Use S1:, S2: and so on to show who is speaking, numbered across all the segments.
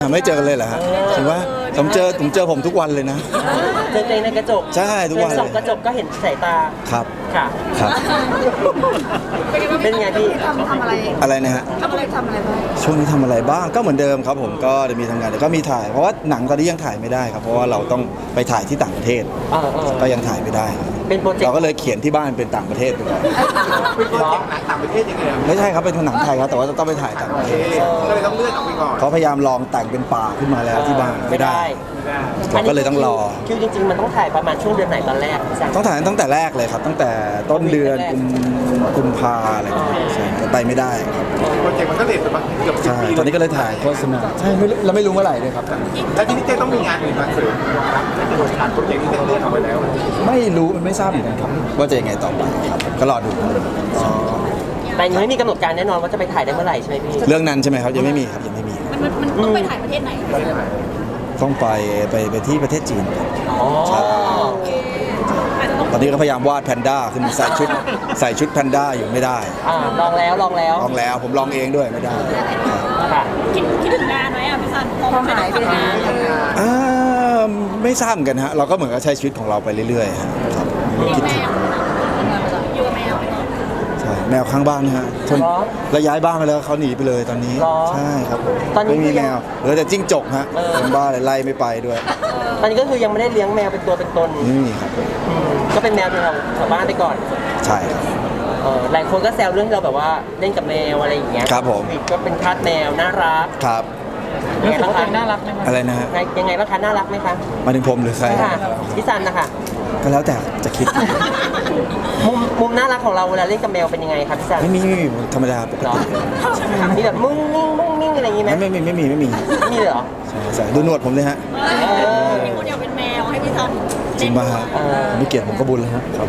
S1: ไม่เจอกันเลยเหรอฮะถึงว่าผมเจอผมทุกวันเลยนะ
S2: เจอตัวเองในกระจก
S1: ใช่ทุกวันเลย
S2: ส่องกระจกก็เห็นสายตา
S1: ครับ
S2: ค่ะ
S1: ครับ
S2: เป็นไงพี่
S3: ทำอะไร
S1: อะไรนะฮะ
S3: ทำอะไรบ้าง
S1: ช่วงนี้ทำอะไรบ้างก็เหมือนเดิมครับผมก็จะมีทำงานแต่ก็มีถ่ายเพราะว่าหนังตอนนี้ยังถ่ายไม่ได้ครับเพราะว่าเราต้องไปถ่ายที่ต่างประเทศก็ยังถ่ายไม่ได้ครับ
S2: เป็นโปรเจกต์
S1: เราก็เลยเขียนที่บ้านเป็นต่างประเทศไปก่อน
S4: เป็นโปรเจกต์หนังต่างประเทศยังไง
S1: ไม่ใช่ครับเป็นหนังไทยครับแต่ว่าต้องไปถ่ายต่างประเทศ
S4: ก็เลยต้องเลื่อนออกไปก่อน
S1: เขาพยายามลองแต่งเป็นป่าขึ้นมาแล้วที่บ้านไม่ได้เราก็เลยต้องรอ
S2: คิวจริงๆมันต้องถ่ายประมาณช่วงเดือนไหนตอนแรก
S1: ต้องถ่ายตั้งแต่แรกเลยครับตั้งแต่ต้นเดือนกุมภาอะไรอย่างเงี้ยใช่แต่ไปไม่ได้ครับ
S4: โปรเจกต์มันก็เลทไปบ้างเกือบ10 ปี
S1: ตอนนี้ก็เลยถ่ายโฆษณาใช่เราไม่รู้เมื่อไหร่ด้วยครับ
S4: แล้วทีนี้เจ๊ต้องมีงานอื่นมาเสริมครับโปรเจกต์นี้เลื่อนออกไปแล้ว
S1: ไม่รู้มันไม่ทราบเหมือนกันครับว่าจะยังไงต่อไปครับก็รอดู
S2: แต่ยังไม่มีกำหนดการแน่นอนว่าจะไปถ่ายได้เมื่อไหร่ใช่ไหมพี่
S1: เรื่องนั้นใช่ไหมครับยังไม่มีครับยังไม่มี
S3: มันต้องไปถ่ายประเทศไหน
S1: ต้องไปที่ประเทศจีน
S2: ใช่
S1: ตอนนี้ก็พยายามวาดแพนด้าขึ้นใส่ชุดแพนด้าอยู่ไม่ได้
S2: ลองแล้ว
S1: ผมลองเองด้วยไม่ได้
S3: คิดถึงงานไหมพี่ซันพอหายไปนาน
S1: ไม่ทราบเหมือนกันฮะเราก็เหมือนกับใช้ชีวิตของเราไปเรื่อยๆครับคิดถึง
S3: อยู่กับแมว
S1: ใช่แมวข้างบ้านนะฮะแล้วย้ายบ้านไปแล้วเขาหนีไปเลยตอนนี้ใช่ครับไม่มีแมวเหลือแต่จิ้งจกฮะคนบ้านไล่ไม่ไปด้วย
S2: ตอนนี้ก็คือยังไม่ได้เลี้ยงแมวเป็นตัวเป็นตน
S1: นี่ครับ
S2: ก็เป็นแมวของชาวบ้านไปก่อน
S1: ใช่ครับ
S2: หลายคนก็แซวเรื่องที่เราแบบว่าเล่นกับแมวอะไรอย่างเงี้ย
S1: ครับผม
S2: ก็เป็นทาสแมวน่ารัก
S1: ครับ
S2: ยังไงบ้างคะน่ารักไหม
S1: อะไรนะฮะ
S2: ยังไงบ้างคะน่ารักไหมคะ
S1: มาถึงผมหรือใคร
S2: พี่ซันนะคะ
S1: ก็แล้วแต่จะคิด
S2: มุมน่ารักของเราเวลาเล่นกับแมวเป็นยังไงครับพี่ซัน
S1: ไม่มีธรรมดาปกติ
S2: มีแบบมุ้งมิ้งอะไรอย่างงี้ไหม
S1: ไม่มี
S2: มีเลยเหรอ
S1: ใช่ดูหนวดผมเลยฮะ
S3: มีคนอยากเป็นแมวให้พี่ซัน
S1: จริงป่ะฮะไม่เกลียดผมก็บุญแล้วฮะครับ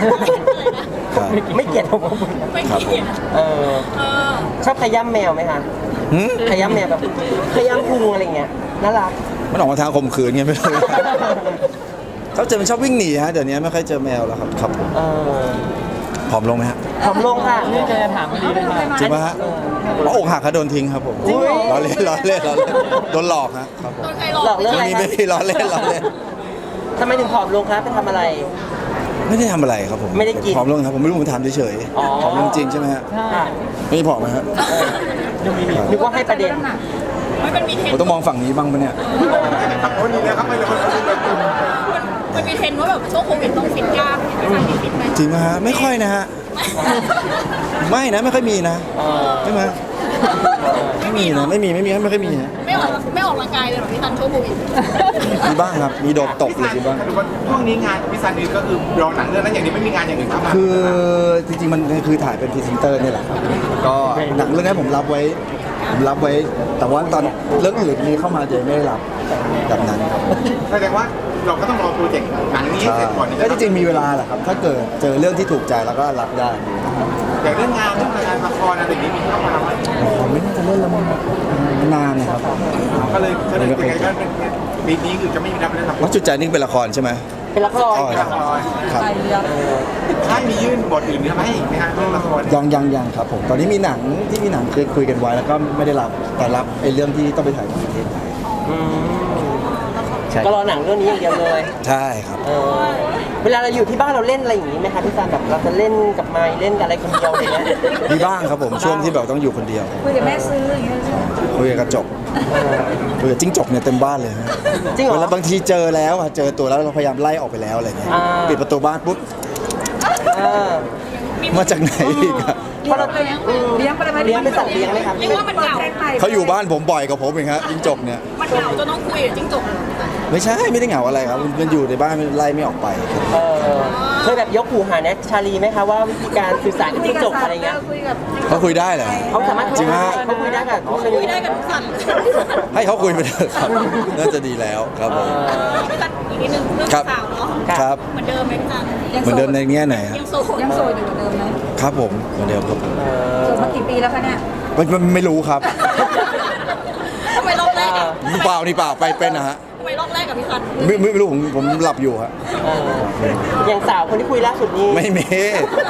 S2: ไม่เกลียดผมก็บุญ
S1: ครับผม
S2: ชอบขย้ำแมวไหมคะขย้ำแมวแบบขย้ำพุงอะไรเงี้ยน่ารัก
S1: มันออกมาทางข่มขืนไงไม่รู้เขามันชอบวิ่งหนีฮะเดี๋ยวนี้ไม่ค่อยเจอแมวแล้วครับผมผอมลงไหมฮะ
S2: ผอมลงค่ะนี่จะถามไม่ดีเลย
S1: จริงป่ะฮะเพราะอกหักเขาโดนทิ้งครับผมล้อเล่นโดนหลอกฮะครับผม
S2: หลอกเรื่องอะไร
S1: ไม่มีล้อเล่น
S2: ทำไมถึงผอมลงครับไปทำอะไร
S1: ไม่ได้ทำอะไรครับผม
S2: ไม่ได้กิน
S1: ผอมลงครับผมไม่รู้ผมถามเฉยๆผอมลงจริงใช่ไหมฮะไม่ผอมไหมฮะ
S2: นึกว่าให้ประเด็น
S1: ผมต้องมองฝั่งนี้บ้างปะเนี่ย
S4: คนนี้นะครับไม่เลย
S3: มันมีเทรนด์ว่าแบบช่วงโควิดต้องฟิตกล้าม
S1: จริงไหมฮะไม่ค่อยนะฮะไม่นะไม่ค่อยมีนะใช่ไหมไม่มีนะไม่ค่อยมีฮะ
S3: ไม่ออกกำลังกายเลยหรอพี่ซันช่วงโควิด
S1: มีบ้างครับมีโดดตบเลยบ้าง
S4: ช่วงนี้งานพี่ซันนี่ก็คือรอหนังเรื่องนั้นอย่างนี้ไม่มีงานอย่างอื่นเข้ามา
S1: คือจริงๆมันคือถ่ายเป็นพรีเซนเตอร์นี่แหละครับก็หนังเรื่องนี้ผมรับไว้แต่ว่าตอนเรื่องอื่นนี้เข้ามาจะไม่ได้รับแบบนั้นครับ
S4: แสดงว่าเราก็ต้องรอโปรเจกต์หนังนี้เสร็จก่อน
S1: ก็จริงๆมีเวลาแหละครับถ้าเกิดเจอเรื่องที่ถูกใจแล้วก็รับได้
S4: อย่างเรื่องงานละครอะไรอย่างนี้มีเข้ามาไหม
S1: ผมไม่น่าจะเล่นละมั้งนานนะครับ
S4: ก็เลยเป็นไงก็เป็นปีนี้คือจะไม่มีรับเล่นละคร
S1: ว่าจุดใจนี่เป็นละครใช่ไหม
S2: เป็นละคร
S1: ครับ
S4: ถ้ามียื่นบทอื่นไหมอีกไหมฮะเรื่องละคร
S1: ยังครับผมตอนนี้มีหนังที่มีหนังคุยกันไว้แล้วก็ไม่ได้รับแต่รับไอ้เรื่องที่ต้องไปถ่ายต่างประเทศ
S2: ก็รอหนังเรื่องนี้อย่างเดียวเลย
S1: ใช่ครับ
S2: เวลาเราอยู่ที่บ้านเราเล่นอะไรอย่างนี้ไหมคะพี่ซันแบบเราจะเล่นกับไม้เล่นกับอะไรคนเดียวอะไรเงี้ย
S1: มีบ้างครับผมช่วงที่แบบต้องอยู่คนเดียว
S3: คุยกับแม่ซื้ออย่างเงี้ย
S1: คุยกับกระจกคุยกับจิ้งจกเนี่ยเต็มบ้านเลยฮะ
S2: จริงเหรอ
S1: แล้วบางทีเจอแล้วเจอตัวแล้วเราพยายามไล่ออกไปแล้วอะไรเงี้ยปิดประตูบ้านปุ๊บมาจากไหนอีกอะ
S3: เลี้ยง
S2: เป็นสัตว์เลี้ยงไหมครับ
S3: เรียกว่ามันเหงา
S1: เขาอยู่บ้านผมบ่อยกับผมเองฮะจิ้งจกเนี่ย
S3: มันเหงาจนต้องคุยกับจิ้งจก
S1: ไม่ใช่ไม่ได้เหงาอะไรครับมันอยู่ในบ้านไล่ไม่ออกไป
S2: เคยแบบยกหูหาแน็กชาลีไหมคะว่าวิธีการสื่อสารกับจิ้งจกอะไรเงี้ย
S1: เขาคุยได้เหรอ
S2: เขาสามารถ
S1: จริงไหม
S2: เขาคุยได้กับทุ
S3: กสัตว์
S1: ให้เขาคุยไปเถอะครับน่าจะดีแล้วครับผม
S3: อีกนิดนึงเรื่องสาวเนาะ
S1: ครับ
S3: เหมือนเดิมไหมพี่ซัน
S1: เหมือนเดิมในแง่ไหน
S3: ยังโสดอยู่เหมือนเดิมไหม
S1: ครับผมเหมือนเดิมครับผม
S3: โสดมากี่ปีแล้วคะเนี่ย
S1: ไม่รู้ครับ
S3: ทำไมรอบแรก
S1: เปล่านี่เปล่าไปเป็นนะฮะ
S3: ทำไมรอบแรกกับพี่ซัน
S1: ไม่รู้ผมหลับอยู่ฮะ
S2: อย่างสาวคนที่คุยล่าสุดนี้
S1: ไม่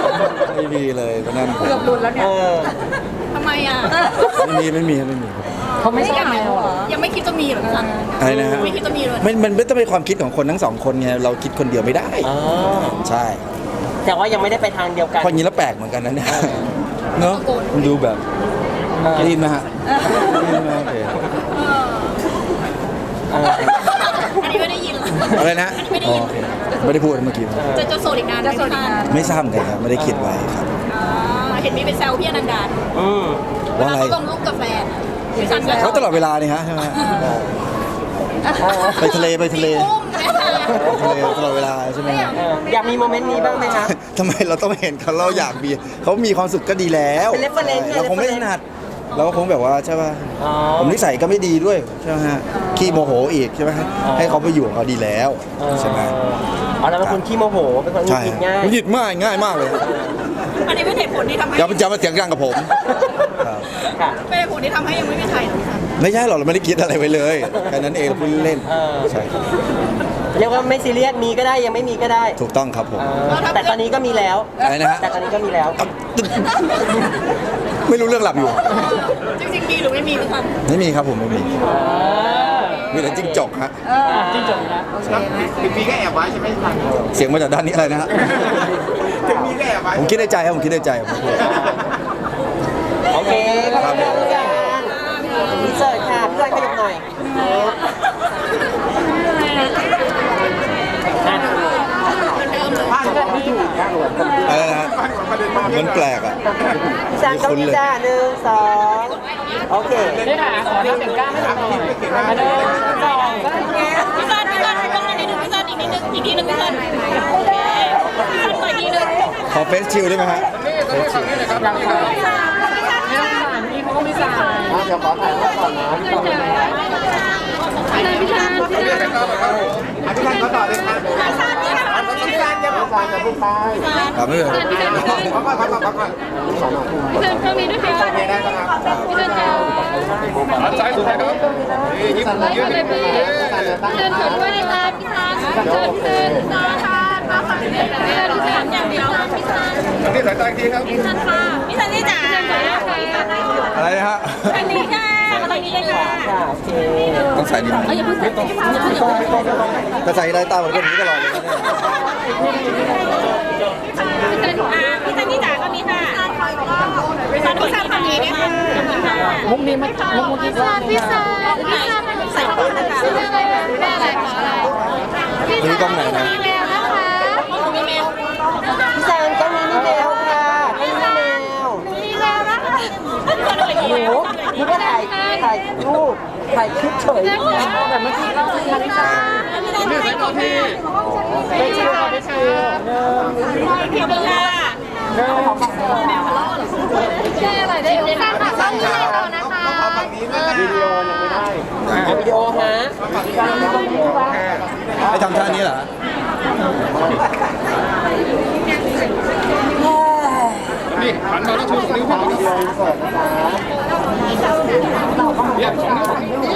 S1: มีเลยเพราะนั้น
S3: เกือบหลุดแล้วเนี่ยทำไมอ่ะ
S1: ไม่มี
S2: เขาไม่ชอบแมวเหรอ
S3: ยังไม่คิดจะมีเหรอพี่ซัน
S1: อะไรนะฮะ
S3: ไม่คิดจะมีเลย
S1: มันไม่ต้องเป็นความคิดของคนทั้งสองคนไงเราคิดคนเดียวไม่ได้
S2: อ๋อ
S1: ใช่
S2: แต่ว่ายังไม่ได้ไปทางเดียวกัน
S1: เพราะงี้แล้วแปลกเหมือนกันนะเนี่ยเนาะมันดูแบบได้ยินไหมฮะได้ยินไหมโอเค
S3: อันนี้ไม่ได้ยินเหรอ
S1: อะไรนะ
S3: อันนี้ไม่ได้
S1: อ๋อ
S3: ยิน
S1: โอเคไม่ได้พูดเมื่อกี้
S3: จะโสดอีกนานไหมพี่ซัน
S1: ไม่ทราบเหมือนกันครับไม่ได้คิดไว้ครับ
S3: เห็นมีเป็นแซวพี่อนันดา
S2: อืม
S3: เว
S1: ว่า
S3: ลา
S1: อะไร
S3: เขาลงรูปกับแฟนพี่ซันก็
S1: เขาตลอดเวลานี่ฮะใช่ไหมไปทะเลไปทะเล
S3: อุ้มเนี่ย
S1: ไปทะเลตลอดเวลาใช่ไหมฮะ
S2: อยากมีโมเมนต์นี้บ้างไหมคะ
S1: ทำไมเราต้องเห็นเขาเราอยากมีเขามีความสุขก็ดีแล้ว
S2: เป็น reference
S1: เราคงไม่ถนัดเราก็คงแบบว่าใช่ป่ะ
S2: อ๋อ
S1: ผมนิสัยก็ไม่ดีด้วยใช่ไหมฮะขี้โมโหอีกใช่ไหมฮะให้เขาไปอยู่ของเขาดีแล้วใช่ไหม
S2: อ๋อแล้วเป็นคนขี้โมโหเป็นคนหงุด
S1: ใช่
S2: หงิดง่าย
S1: หงุดหงิดง่ายมากเลย
S3: อันนี้เป็นเหตุผลที่ทำให้
S1: อย่ามาเสียงดังกับผมครับ
S2: ค่ะ
S3: เป็นเหตุผลที่ทำให้ยังไม่มีใครเหรอพี่ซัน
S1: ไม่ใช่หรอกเราไม่ได้คิดอะไรไว้เลยแค่นั้นเองเราพูดเล่น
S2: เออ
S1: ใช่ครับ
S2: เรียกว่าไม่ซีเรียสมีก็ได้ยังไม่มีก็ได้
S1: ถูกต้องครับผม
S2: แต่ตอนนี้ก็มีแล้ว
S1: อะไรนะฮะ
S2: แต่ตอนนี้ก็มีแล้ว
S1: ไม่รู้เรื่องหลับอยู่
S3: จริงๆมีหรือไม่มีพี่ซัน
S1: ไม่มีครับผมไม่มีมีแต่จิ้งจกฮะ
S2: จริงจบนะ
S4: ถึงมีก็แอบไว้ใช่ไหมท่าน
S1: เสียงมาจากด้านนี้อะไรนะฮะ
S4: ถึงมีก็แอบไว้
S1: ผมคิดในใจครับผมคิดในใจผมพูด
S2: โอเคขอบคุณพี่การอินเสิร์ตค่ะพี่การขยับหน่อยอ่ะ
S1: อะไรนะฮะมันแปลกอ่ะ
S2: พี่ซานต้องพี่จ้า1 2โอเค
S3: พี่ซันต้องอันนี้หนึ่งพี่ซันอีกนิดนึงอีกทีหนึงพี่ซันโอเคพี่ซันต่อยทีหนึง
S1: ขอเฟซชิลได้ไหมฮะเฟซชิล
S4: เดี๋ยวขอถ่ายรูปก่อนนะพี่ท่านเขาต่อเลยครับพี่ท่านจะพูดไปจะพูดไป
S1: ครับไม่เป็นไร
S4: พักก่อนพักก่อนพักก่อน
S3: พี่ซันตรงนี้ด้วยค่ะ
S4: โอเคได้ครับ
S3: พี่ซันจะ
S4: ซ้ายสุดท้ายครับยิ้ม
S3: ไว้เลยพี่เดินถือด้วยนะคะพี่ซันเดินขึ้นซ้ายค่ะมาฝั่งนี้เลยพี่ซันอย่างเดียวพี่ซัน
S4: ตรงนี้สายตาอีกทีครับ
S3: พี่ซันค่ะพี่ซันนี่จ๋า
S1: อะไรนะฮะ
S3: ทางนี้ค่ะทางนี้เลยค่ะ
S2: ค่ะโอเค
S1: ต้องใส่ดีไหม
S3: อย่าเพิ่งใส่อย่าเพิ่งใส่
S1: ถ้าใส่ได้ตาเหมือนกันอย่างนี้ตลอดเลยนะเนี่ย
S3: พี่ซันนี่จ๋าก็มีค่ะพี่ซันฝั่งนี้ด้วยค่ะมุกนี้มามุกนี้ซันพี่ซันใส่ต้นนะคะชื่ออะไรแม่อะไรคะอะไร
S1: นี่กล้องไหนนะ
S3: มีแมวนะคะมีแมว
S2: พี่ซานต้องมีนี่แมวค่ะต้องมีแมว
S3: มีแมวนะคะ
S2: หนูนึกว่าถ่ายรูปถ่ายคลิปเฉยแต่เมื่อกี้เราถ่ายพี่ซาน
S3: ไม่ใช่ตัวพี่
S2: ไม่ใช่ค่ะไม่ใช่
S3: เพียบเลยค่ะแมวมาล่อหรอชื่ออะไรได้พี่ซันค่ะต้องมีแมวนะคะ
S4: ฝั่งนี้นะวิดีโอยังไม่ได้
S2: วิดีโอฮะ
S1: ให้ทำท่านี้เหรอ
S4: นี่หันมาแล้วชูนิ้วขึ้นมาเดียวเสิร์ฟนะคะ